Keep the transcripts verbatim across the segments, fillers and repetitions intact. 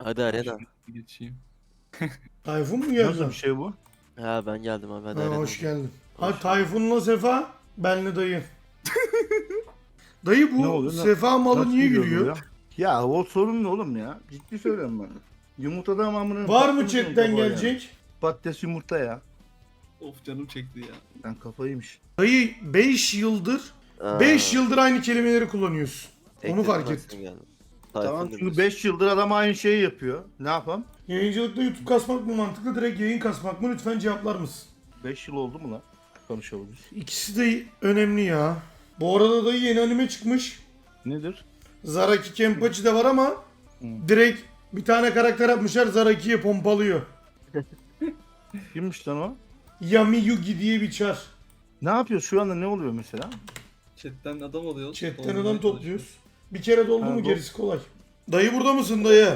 Hadi arena. Geçeyim. Tayfun mu geldi? Nasıl bir şey bu? Ha ben geldim abi hadi Ha, arena. hoş geldin. Hoş Ha Tayfun'la Sefa, benle dayı. Dayı Ne bu oluyor? Na- Sefa malı Nasıl niye geliyor gülüyor? buraya? Ya o sorun ne oğlum ya? Ciddi söylüyorum ben. Yumurtadan amına... Var mı patlamış chatten yumurta bu ya. gelecek? Patates yumurta ya. Of canım çekti ya. Ben kafayıymış. Dayı beş yıldır Aa, beş yıldır aynı kelimeleri kullanıyorsun. Onu ekledim fark ben ettim. seni geldim. Tamam Tayfun çünkü diyorsun. beş yıldır adam aynı şeyi yapıyor. Ne yapalım? Yayıncılıkta YouTube kasmak mı mantıklı, direkt yayın kasmak mı? Lütfen cevaplar mısın? beş yıl oldu mu lan? Konuşabiliriz. İkisi de önemli ya. Bu arada dayı yeni anime çıkmış. Nedir? Zaraki Kenpachi de var ama direkt bir tane karakter yapmışlar, Zaraki'ye pompalıyor. Kimmiş lan o? Yami Yugi diye bir çar. Ne yapıyor? Şu anda ne oluyor mesela? Chatten adam oluyoruz. Chatten Olmaya adam çalışıyoruz. topluyoruz. Bir kere doldu Ha, mu bu- gerisi kolay. Dayı burada mısın dayı?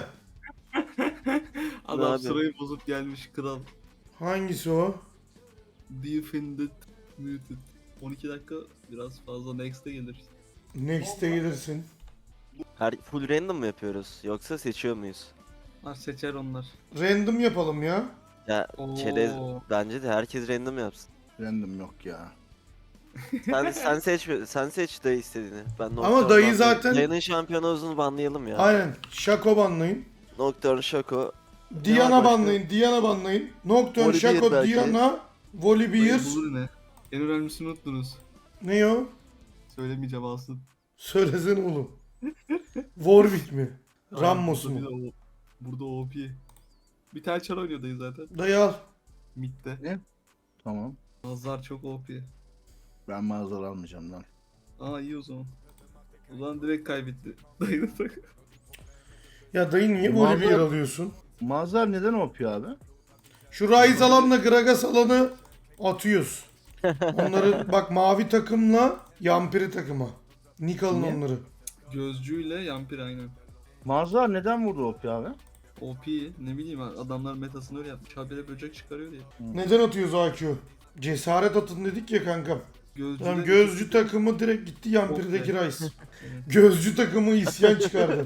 Adam abi? sırayı bozup gelmiş kral. Hangisi o? Defended Muted. on iki dakika biraz fazla next'e gelir. Next'e gelirsin. Her full random mı yapıyoruz yoksa seçiyor muyuz? Onlar seçer onlar. Random yapalım ya. Ya Oo. çerez bence de herkes random yapsın. Random yok ya. Sen sen seç sen seç dayı istediğini. Ben Ama Nocturne dayı banlayayım. zaten- Dayının şampiyonuzunu banlayalım ya. Aynen. Şako banlayın. Nocturne, Shaco. Diana başka? banlayın. Diana banlayın. Nocturne, Volibear Şako, belki. Diana, Volibear. Bulur ne? En önemlisini unuttunuz. Ne o? Söylemeyeceğim alsın. Söylesene oğlum. Warwick mi? Ramos Burada mu? bir de o- Burada O P. Bir tane çar oynuyor dayı zaten. Dayı al. Mid'de. Tamam. Mazlar çok O P. Ben mağazalar almayacağım lan. Aa iyi o zaman. O zaman direkt kaybetti. Dayı da tak. Ya dayı niye Vallahi- Volibear alıyorsun? Mağazalar neden yapıyor abi? Şu Ryze alanla Gragas alanı atıyoruz. Onları bak, mavi takımla Yampiri takıma. Nick alın Niye? onları. Gözcüyle Yampir aynen. Mağazalar neden vurdu O P abi? O P ne bileyim adamlar metasını öyle yapmış. Habire böcek çıkarıyor diye. Neden atıyoruz A Q? Cesaret atın dedik ya kankam. Gözcü Tamam, gözcü takımı direkt gitti Yampiri'deki Okey. Ryze. Gözcü takımı isyan çıkardı.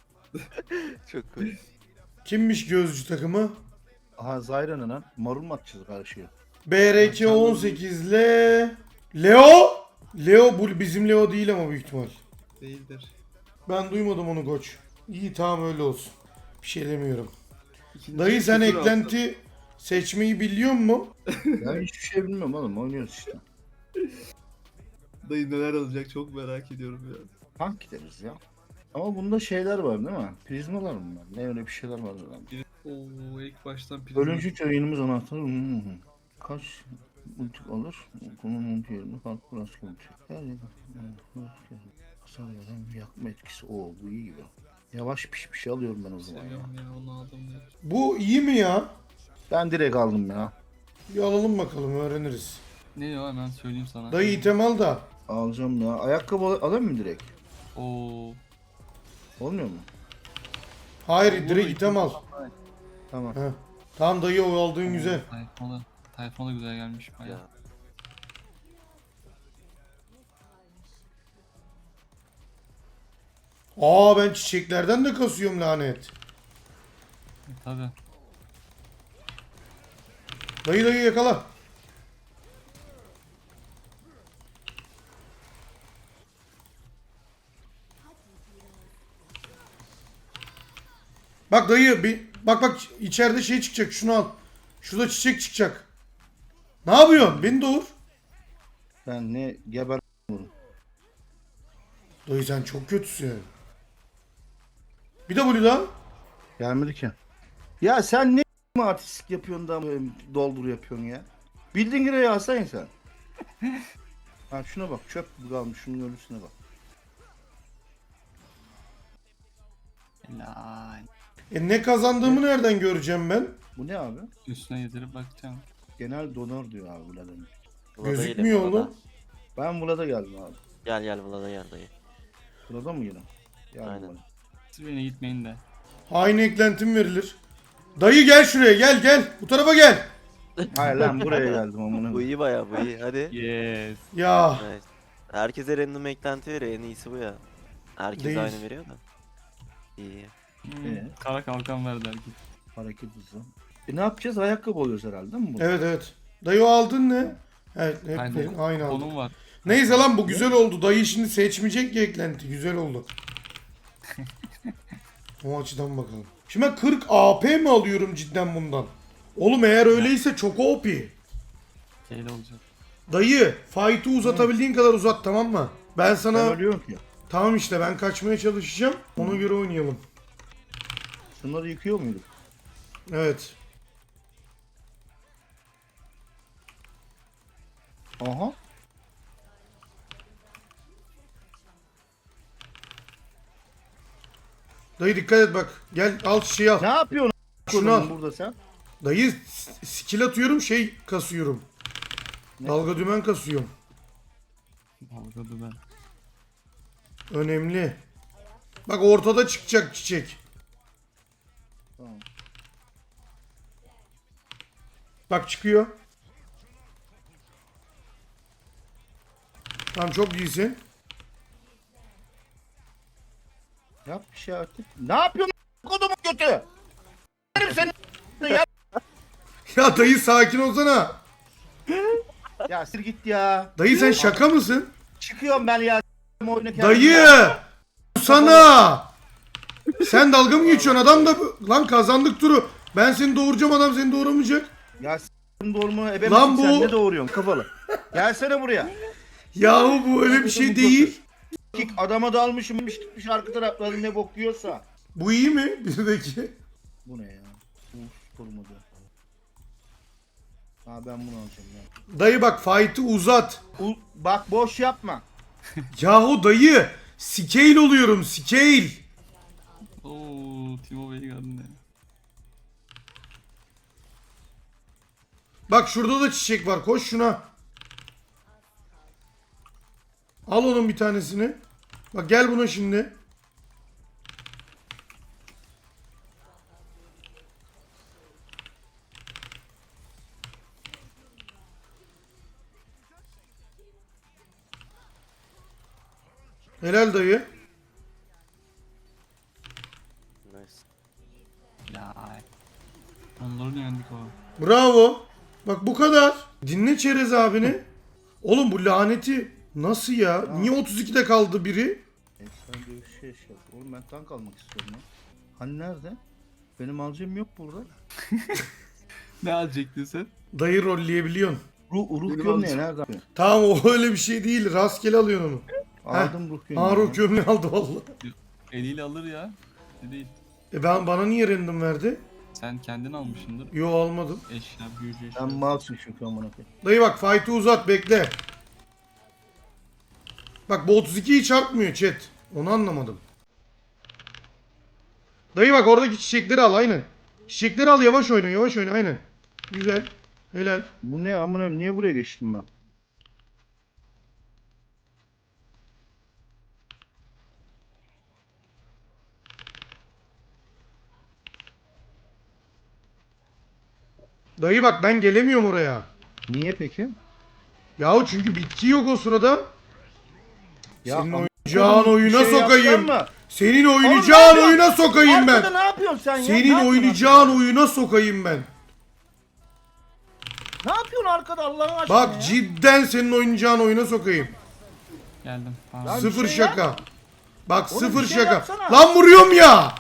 Çok cool. Kimmiş gözcü takımı? Aha Zyra'nın lan. Marul mu atacağız karşıya? B R K on sekiz ile Leo. Leo bu bizim Leo değil ama büyük ihtimal. değildir. Ben duymadım onu koç. İyi tamam, öyle olsun. Bir şey demiyorum. İkinci Dayı sen sıfır eklenti seçmeyi biliyor mu? Ben hiçbir şey bilmiyorum oğlum. Oynuyoruz işte. aldı. Dayı neler alacak çok merak ediyorum ya. Tank gideriz ya. Ama bunda şeyler var değil mi? Prizmalar mı var? Ne öyle bir şeyler var lan. Oo ilk baştan prizma. Ölümcül yayınımız anahtarı. Hmm. Kaç ultik alır? Konum ulti yerine farklı rastlı ulti. Her yerde. Hasar veren yakma etkisi. Oo bu iyi gibi. Yavaş pişmiş alıyorum ben o zaman ya. Seviyorum ya onu aldım diye. Bu iyi mi ya? Ben direkt aldım ya. Bir alalım bakalım, öğreniriz. Ne ya hemen söyleyeyim sana. Dayı item al da. Alacağım ya. Ayakkabı al- alayım mı direkt? Oo. Olmuyor mu? Hayır, direkt item al. Tamam. Heh. Tamam dayı, o aldığın güzel. Tayfona, Tayfona güzel gelmiş bayağı. Ya. Aa, ben çiçeklerden de kasıyorum lanet. E, tabi. Dayı dayı yakala. Bak dayı bir bak bak, içeride şey çıkacak, şunu al. Şurada çiçek çıkacak. Ne yapıyorsun? Beni doğur. Ben ne geber Dayı sen çok kötüsün. Bir de bunu da. gelmedi ki. Ya sen ne artistik yapıyorsun da böyle doldur yapıyorsun ya? Bildiğin gibi alsana sen. Ha şuna bak, çöp gibi kalmış, şunun ölüsüne bak. Helal. E ne kazandığımı nereden göreceğim ben? Bu ne abi? Üstüne yedirip bakacağım. Genel donör diyor abi Vlad'ın. Vlad'a Gözükmüyor gidelim, Vlad'a. oğlum. Ben Vlad'a geldim abi. Gel gel Vlad'a gel dayı. Vlad'a mı gelin? Geldim Aynen. Vlad'a. Siz beni gitmeyin de. Aynı eklentim verilir. Dayı gel şuraya, gel gel. Bu tarafa gel. Hayır lan buraya geldim amına. Bu iyi baya bu iyi hadi. Yes. Ya Evet. Herkese random eklenti veriyor, en iyisi bu ya. Herkes Değil. aynı veriyor da. İyi. Hmm, Ee? Kara kalkan verdi herkes. Hareket hızı. E ne yapacağız? Ayakkabı alıyoruz herhalde değil mi? Bu? Evet evet. Dayı o aldın ne? Evet hep Aynen. benim- aynı aldım. Konum var. Neyse lan bu güzel oldu. Dayı şimdi seçmeyecek ki eklenti. Güzel oldu. O açıdan bakalım. Şimdi ben kırk A P mi alıyorum cidden bundan? Oğlum eğer öyleyse çok O P. Şeyle olacak. Dayı fight'ı uzatabildiğin kadar uzat, tamam mı? Ben sana Ben ölüyorum ki. tamam işte ben kaçmaya çalışacağım. Ona göre oynayalım. Şunları yıkıyor muyduk? Evet. Aha. Dayı dikkat et bak. Gel al çiçeği al. Ne yapıyorsun? Şunu al. Burada sen. Dayı s- skill atıyorum, şey kasıyorum. Ne? Dalga dümen kasıyorum. Dalga dümen. Önemli. Bak ortada çıkacak çiçek. Tamam. Bak çıkıyor. Tamam çok iyisin. Yap bir şey artık. Ne yapıyorsun? Kodumun götü. Benim senin ya. Ya dayı sakin olsana. Ya sir git ya. Dayı sen şaka mısın? Çıkıyorum ben ya. Oyunu kendim Dayı! ya. Sana! Sen dalga mı geçiyorsun? Adam da lan kazandık turu. Ben seni doğuracağım, adam seni doğuramayacak. Ya s***ın doğurma ebe Lan misin sen? bu- Ne doğuruyorsun kafalı? Gelsene buraya. Yahu bu öyle bir şey değil. Kik adama dalmışım gitmiş arka tarafları ne bok yiyorsa. Bu iyi mi? Bizdeki. Bu ne ya? Uf durmadı. Ha ben bunu alacağım ya. Dayı bak fight'ı uzat. U- bak boş yapma. Yahu dayı. Scale oluyorum, scale. Oo, Timo Bey'i ne? Bak şurada da çiçek var. Koş şuna. Al onun bir tanesini. Bak gel buna şimdi. Helal dayı. Nice. Ya. Onların yendik o. Bravo. Bak bu kadar. Dinle Çerez abini. Oğlum bu laneti nasıl ya? Niye otuz ikide kaldı biri? Efsane bir şey şey. Oğlum ben tank almak istiyorum ya. Hani nerede? Benim alacağım yok burada. Ne alacaktın sen? Dayı rolleyebiliyorsun. Ruh, ruh Benim gömleği alacağım. nerede? Tamam o öyle bir şey değil. Rastgele alıyorsun onu. Aldım ruh gömleği. Harun gömleği aldı vallahi. Eliyle alır ya. Ne değil. E ben bana niye random verdi? Sen kendin almışsındır. Yo almadım. Eşya, büyücü eşya. Ben malsın çünkü amına koyayım. Dayı bak fight'ı uzat bekle. Bak bu otuz ikiyi çarpmıyor chat. Onu anlamadım. Dayı bak oradaki çiçekleri al aynen. Çiçekleri al, yavaş oyna yavaş oyna aynen. Güzel. Helal. Bu ne amına koyayım? Niye buraya geçtim ben? Dayı bak ben gelemiyorum oraya. Niye peki? Yahu çünkü bitki yok o sırada. Ya Senin am- oynayacağın Bir oyuna şey sokayım. yapacağım mı? Senin Oğlum oynayacağın ne oyuna sokayım Arkada ben. ne yapıyorsun sen ya? Ne Senin yapıyorsun oynayacağın arkada? oyuna sokayım ben. Ne yapıyorsun arkada Allah'ın aşkına Bak ya? cidden senin oynayacağın oyuna sokayım. Geldim. Tamam. Lan- Sıfır bir şey şaka. Bak Oğlum sıfır bir şey şaka. yapsana. Lan vuruyorum ya.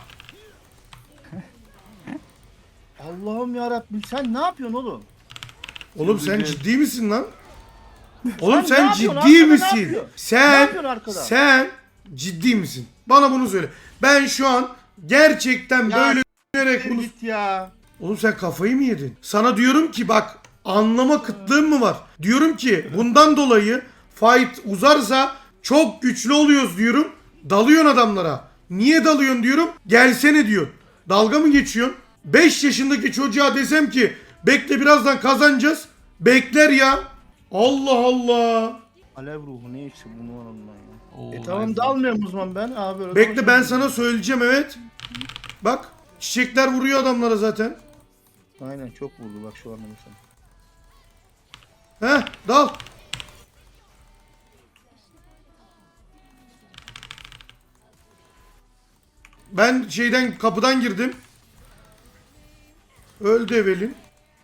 Allah'ım yarabbim sen ne yapıyorsun oğlum? Oğlum sen Güzel. ciddi misin lan? Oğlum Sen sen ne yapıyorsun? ciddi Arkada ne misin? yapıyor? Ne Sen yapıyorsun arkada? sen ciddi misin? Bana bunu söyle. Ben şu an gerçekten Ya böyle düşünerek Bir bunu... git ya. Oğlum sen kafayı mı yedin? Sana diyorum ki bak anlama kıtlığın mı var? Diyorum ki bundan dolayı fight uzarsa çok güçlü oluyoruz diyorum. Dalıyorsun adamlara. Niye dalıyorsun diyorum. Gelsene diyor. Dalga mı geçiyorsun? beş yaşındaki çocuğa desem ki bekle birazdan kazanacağız. Bekler ya. Allah Allah. Alev ruhu ne işte bunu Allah ya. Oo, E tamam nice. dalmıyorum o zaman ben abi. böyle Bekle ben konuşuyorum. sana söyleyeceğim evet. Bak çiçekler vuruyor adamlara zaten. Aynen çok vurdu bak şu anda mesela. Heh dal. Ben şeyden kapıdan girdim. Öldü Evelin.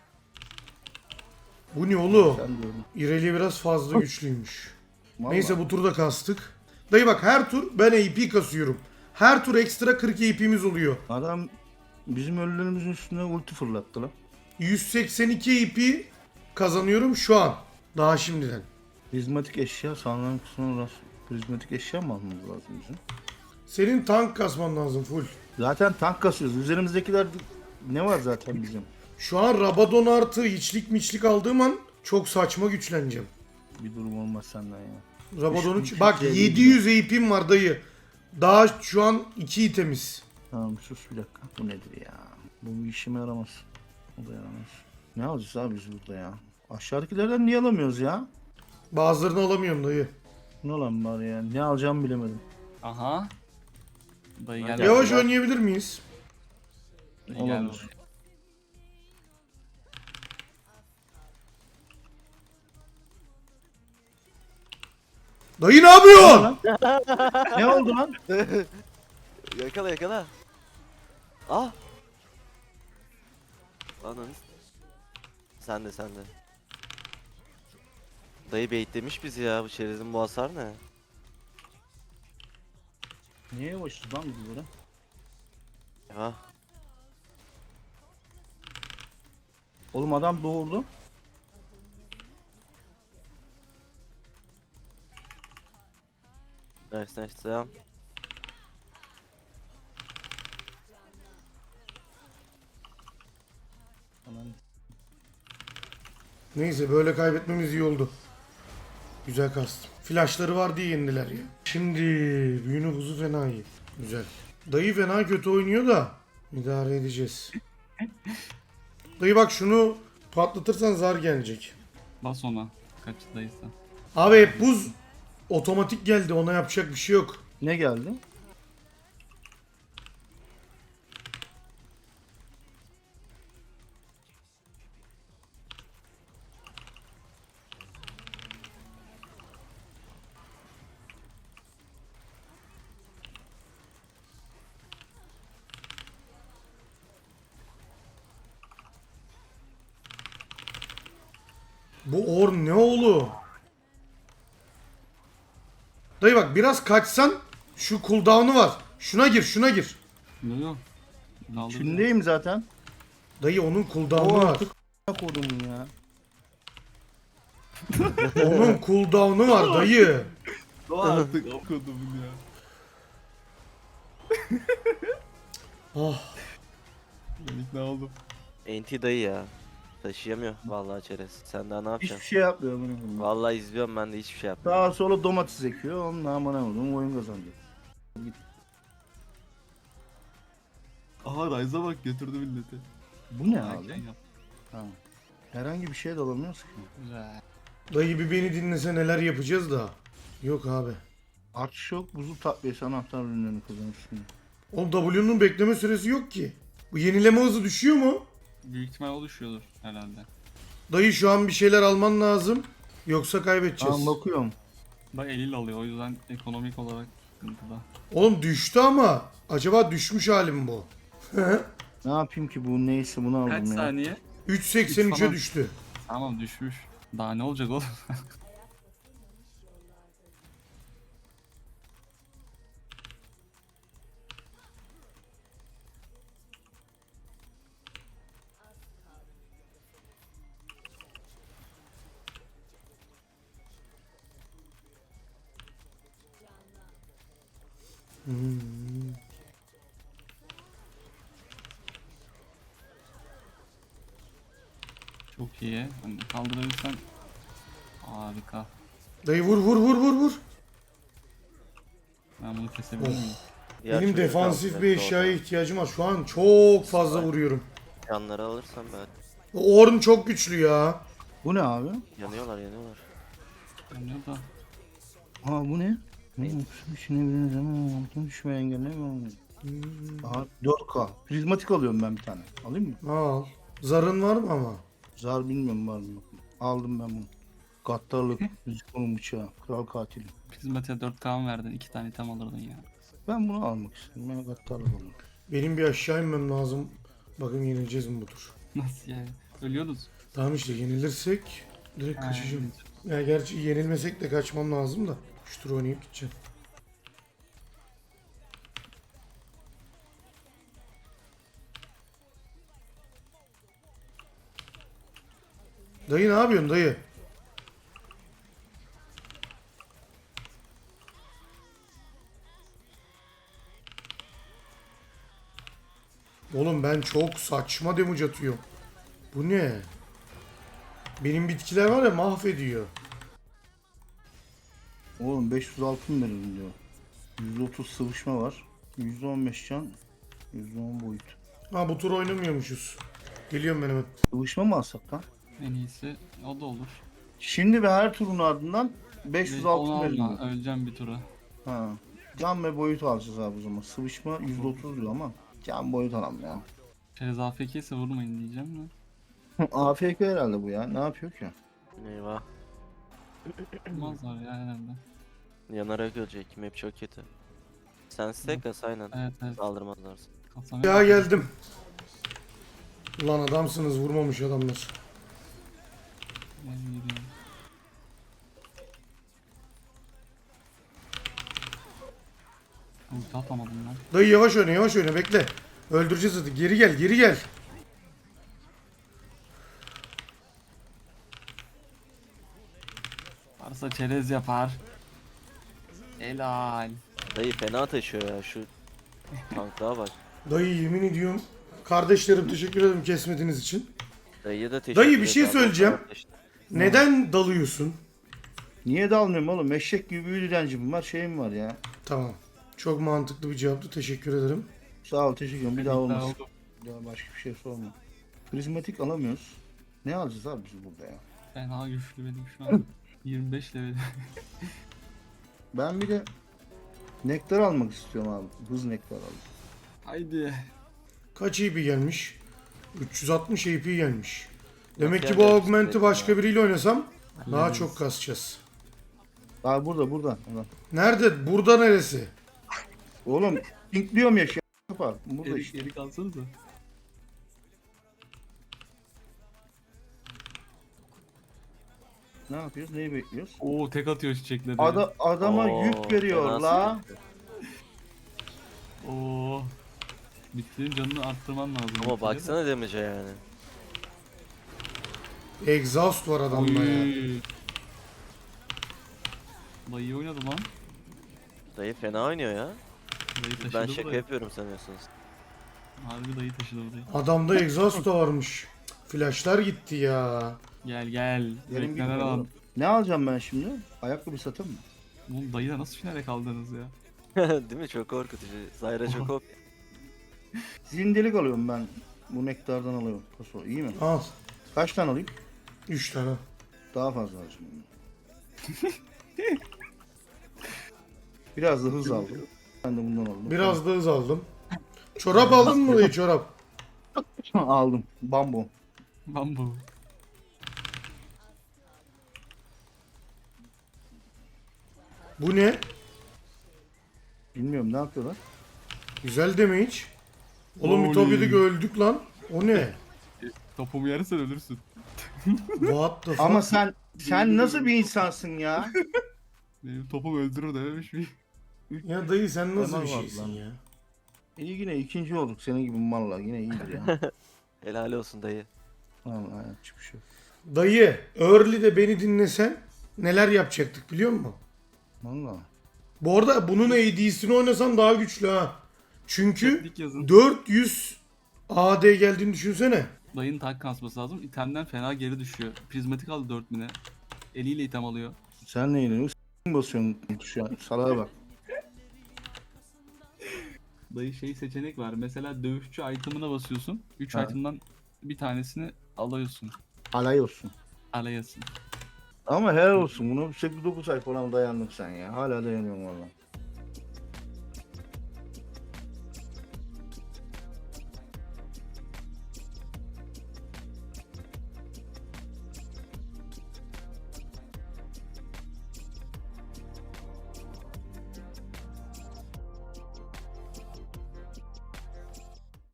Bu ne oğlum? Sen diyorum. İreli biraz fazla güçlüymüş. Vallahi. Neyse bu turda kastık. Dayı bak her tur ben A P kasıyorum. Her tur ekstra kırk A P'miz oluyor. Adam bizim ölülerimizin üstüne ulti fırlattı lan. yüz seksen iki A P kazanıyorum şu an. Daha şimdiden. Prizmatik eşya sağlanan kısmına rast. Prizmatik eşya mı almamız lazım bizim? Senin tank kasman lazım full. Zaten tank kasıyoruz. Üzerimizdekiler ne var zaten bizim? Şu an Rabadon artı hiçlik miçlik aldığım an çok saçma güçleneceğim. Bir durum olmaz senden ya. Rabadon'u Üç bin bak Türkiye'ye yedi yüz A P'm var dayı. Daha şu an iki itemiz. Tamam sus bir dakika. Bu nedir ya? Bu bir işime yaramaz. O da yaramaz. Ne alacağız abi biz burada ya? Aşağıdakilerden niye alamıyoruz ya? Bazılarını alamıyorum dayı. Ne lan var ya? Ne alacağımı bilemedim. Aha. Dayı gel. Yavaş oynayabilir miyiz? Dayı gel. Olabilir. Dayı ne yapıyorsun? Ne oldu lan? Yakala yakala. Ah. Ananı. Sen de sen de. Dayı baitlemiş bizi ya, bu çerezin bu hasar ne? Niye yavaşız lan biz böyle? Ya. Oğlum adam doğurdu. Nice nice devam. Aman. Neyse böyle kaybetmemiz iyi oldu. Güzel kastım. Flashları var diye yendiler ya. Şimdi büyünün buzu fena iyi. Güzel. Dayı fena kötü oynuyor da idare edeceğiz. Dayı bak şunu patlatırsan zar gelecek. Bas ona. Kaçtaysa. Abi hep buz otomatik geldi, ona yapacak bir şey yok. Ne geldi? Bu or ne oğlum? Dayı bak biraz kaçsan şu cooldown'u var. Şuna gir, şuna gir. Yok yok. Daldı. Şundayım zaten. Dayı onun cooldown'u O var. artık ne kodumun ya. Onun cooldown'u var dayı. O artık okudum ya. Ah. Ben ikna oldum. Enti dayı ya. Taşıyamıyor vallahi çerez. Sen daha ne Hiçbir yapacaksın? şey yapmıyor bunu. Vallahi izliyorum, ben de hiçbir şey yapmıyorum. Daha sonra domates ekiyor. Onun amına koydum oyun kazandı. Aha Ryze'a bak, götürdü milleti. Bu ne Erken abi? yap. Ha. Herhangi bir şey de alamıyoruz ki. Güzel. Dayı bir beni dinlese neler yapacağız da. Yok abi. Artış yok. Buzul takviyesi anahtar ürünlerini kazanırsın. Oğlum W'nun bekleme süresi yok ki. Bu yenileme hızı düşüyor mu? Büyük ihtimal o düşüyordur herhalde. Dayı şu an bir şeyler alman lazım. Yoksa kaybedeceğiz. Tamam bakıyorum. Bak eliyle alıyor, o yüzden ekonomik olarak sıkıntıda. Oğlum düştü ama. Acaba düşmüş halim bu? Ne yapayım ki bu neyse bunu aldım Kaç ya. saniye? üç seksen üçe Falan. düştü. Tamam düşmüş. Daha ne olacak oğlum? Çok iyi. Hani kaldırabilirsen harika. Dayı vur vur vur vur vur. Ben bunu kesebilir miyim? Diğer Benim türlü defansif kalacak bir orada. eşyaya ihtiyacım var. Şu an çok fazla vuruyorum. Yanları alırsam ben. O Ornn çok güçlü ya. Bu ne abi? Yanıyorlar yanıyorlar. Yanıyor da. Aa bu ne? Ne? Düşünebiliriz ama altın düşmeye engellemiyor. Aha dört K. Prizmatik alıyorum ben bir tane. Alayım mı? Al. Zarın var mı ama? Zar bilmiyorum var mı yok mu. Aldım ben bunu. Gattarlık, Ziko'nun bıçağı, kral katili. Prizmatiğe dört K mı verdin? iki tane item alırdın ya. Ben bunu almak istedim. Ben Gattar'la bunu. Benim bir aşağı inmem lazım. Bakın yenileceğiz mi bu tur? Nasıl yani? Ölüyorsunuz. Tamam işte yenilirsek direkt kaçacağım. Ya gerçi yenilmesek de kaçmam lazım da. Şu tur oynayıp gideceğim. Dayı ne yapıyorsun dayı? Oğlum ben çok saçma damage atıyorum. Bu ne? Benim bitkiler var ya mahvediyor. Oğlum beş yüz altın verin diyor. yüz otuz sıvışma var. yüzde on beş can. yüzde on boyut. Ha bu tur oynamıyormuşuz. Geliyorum ben hemen. Sıvışma mı alsak lan? En iyisi o da olur. Şimdi ve her turun ardından beş yüz Onu altın verin alma, diyor. öleceğim bir tura. Ha. Can ve boyut alacağız abi o zaman. Sıvışma yüzde otuz diyor ama. Can boyut alalım ya. Çerez A F K ise vurmayın diyeceğim de. A F K herhalde bu ya. Ne yapıyor ki? Eyvah. Olmazlar ya herhalde. Yanarak ölecek. Map çok kötü. Sen stack as aynen. Evet evet. Saldırmazlar. Kasanı Ya geldim. Ulan adamsınız vurmamış adamlar. Ben gidiyorum. Ulti atamadım lan. Dayı yavaş oyna yavaş oyna bekle. Öldüreceğiz hadi. Geri gel geri gel. Varsa çerez yapar. Helal. Dayı fena taşıyor ya şu tanklığa bak. Dayı yemin ediyorum. Kardeşlerim teşekkür ederim kesmediğiniz için. Dayıya da teşekkür Dayı bir şey ederim. söyleyeceğim. Kardeş. Neden dalıyorsun? Niye dalmıyorum oğlum? Eşek gibi büyü direncim var, şeyim var ya. Tamam. Çok mantıklı bir cevaptı. Teşekkür ederim. Sağ ol, teşekkür ederim. Bir daha olmaz. oldu. Bir daha başka bir şey sorma. Prizmatik alamıyoruz. Ne alacağız abi biz burada ya? Fena güçlü benim şu an. yirmi beş level. Ben bir de nektar almak istiyorum abi. Hız nektar alayım. Haydi. Kaç A P gelmiş? üç yüz altmış A P gelmiş. Demek Nasıl ki bu yani? augmenti başka biriyle oynasam daha Hallederiz. çok kasacağız. Abi burada burada. Ulan. Nerede? Burada neresi? Oğlum pinkliyorum ya şey yapar. Burada Geri, işte. geri kalsanıza. Ne yapıyoruz? Neyi bekliyoruz? Oo tek atıyor çiçekleri. Ada adama Oo, yük veriyor fena la. sıkıntı. Oo. Bitkinin canını arttırman lazım. Ama baksana damage'e yani. Exhaust var adamda ya. Oy. Dayı iyi oynadı lan. Dayı fena oynuyor ya. Dayı taşıdı Ben bu şaka dayı. yapıyorum sanıyorsunuz. Harbi dayı taşıdı bu dayı. Adamda exhaust da varmış. Flashlar gitti ya. Gel gel. Yerim Renkler gitmiyor al. oğlum. Ne alacağım ben şimdi? Ayakkabı satayım mı? Oğlum dayıyla nasıl finale kaldınız ya? Değil mi? Çok korkutucu. Zayra çok op. Zindelik alıyorum ben. Bu nektardan alıyorum. Paso iyi mi? Al. Kaç tane alayım? üç tane. Daha fazla alacağım. Biraz da hız aldım. Ben de bundan aldım. Biraz da hız aldım. Çorap aldın mı dayı çorap? aldım. Bambu. Bambu. Bu ne? Bilmiyorum ne yapıyorlar. Güzel deme hiç. Oğlum Oy. Ütopya'daki öldük lan. O ne? Topumu yersen ölürsün. What the fuck? Ama sen sen nasıl bir insansın ya? Benim topum öldürür dememiş miyim? Ya dayı sen nasıl Hemen bir var şeysin lan. ya? İyi yine ikinci olduk senin gibi malla yine iyidir ya. Helal olsun dayı. Vallahi yapacak bir şey yok. Dayı, early'de beni dinlesen neler yapacaktık biliyor musun? Valla. Bu arada bunun A D'sini oynasan daha güçlü ha. Çünkü Teknik yazın. dört yüz A D geldiğini düşünsene. Dayının tank kasması lazım. İtemden fena geri düşüyor. Prizmatik aldı dört bine. Eliyle item alıyor. Sen neyle s- basıyorsun şu an salağa bak. Dayı şey seçenek var. Mesela dövüşçü item'ına basıyorsun. üç Ha. item'dan bir tanesini alıyorsun. Alay olsun. Alayasın. Ama helal olsun bunu sekiz dokuz ay falan dayandın sen ya. Hala dayanıyorum valla.